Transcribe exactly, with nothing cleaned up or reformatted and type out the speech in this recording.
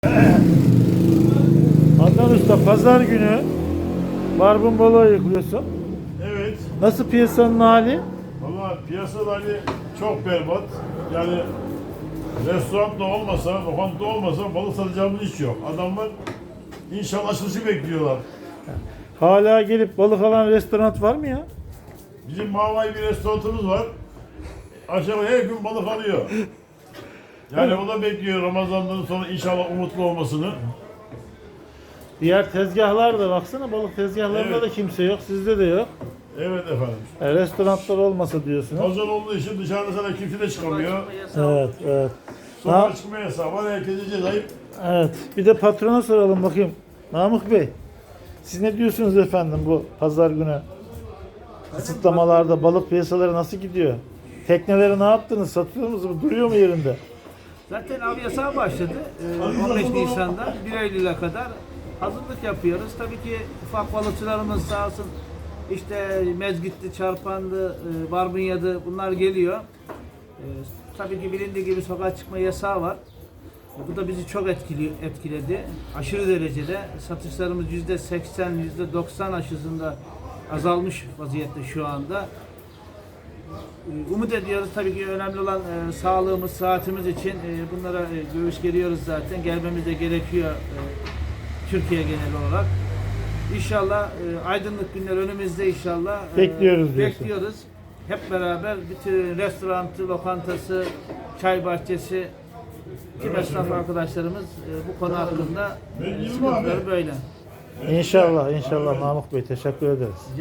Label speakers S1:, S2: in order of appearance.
S1: Adnan Usta, pazar günü barbun balığı yıkıyorsun.
S2: Evet.
S1: Nasıl piyasanın hali?
S2: Valla piyasada hani çok berbat. Yani restoran da olmasa, lokanta olmasa balık satacağımız hiç yok. Adamlar inşallah açılışı bekliyorlar.
S1: Hala gelip balık alan restoran var mı ya?
S2: Bizim Mavay bir restoranımız var. Aşağı her gün balık alıyor. Yani o da bekliyor Ramazan'dan sonra inşallah umutlu olmasını.
S1: Diğer tezgahlarda baksana, balık tezgahlarında
S2: Evet.
S1: da kimse yok, sizde de yok.
S2: Evet efendim.
S1: E, restoranlar olmasa diyorsunuz.
S2: Pazar olduğu için dışarıda sana kimse de çıkamıyor.
S1: Evet, evet.
S2: Sokağa
S1: Ha-
S2: çıkma yasağı var. Herkese cezayip.
S1: Evet. Bir de patrona soralım bakayım. Namık Bey, siz ne diyorsunuz efendim bu pazar günü? Kısıtlamalarda balık piyasaları nasıl gidiyor? Tekneleri ne yaptınız? Satıyor musunuz? Duruyor mu yerinde?
S3: Zaten av yasağı başladı. Ee, on beş Nisan'dan bir Eylül'e kadar hazırlık yapıyoruz. Tabii ki ufak balıkçılarımız sağ olsun işte mezgitti, çarpandı, e, barbunyadı bunlar geliyor. Ee, tabii ki bilindiği gibi sokağa çıkma yasağı var. Bu da bizi çok etkili, etkiledi. Aşırı derecede satışlarımız yüzde seksen, yüzde doksan aşısında azalmış vaziyette şu anda. Umut ediyoruz tabii ki önemli olan e, sağlığımız, saatimiz için e, bunlara e, göğüs geriyoruz zaten. Gelmemiz de gerekiyor e, Türkiye genel olarak. İnşallah e, aydınlık günler önümüzde inşallah. E,
S1: Bekliyoruz diyorsun.
S3: Bekliyoruz. Hep beraber bütün restoranı, lokantası, çay bahçesi, tüm esnaf arkadaşlarımız e, bu konu hakkında e, sıkıntıları böyle.
S1: İnşallah, inşallah Namık Bey, teşekkür ederiz.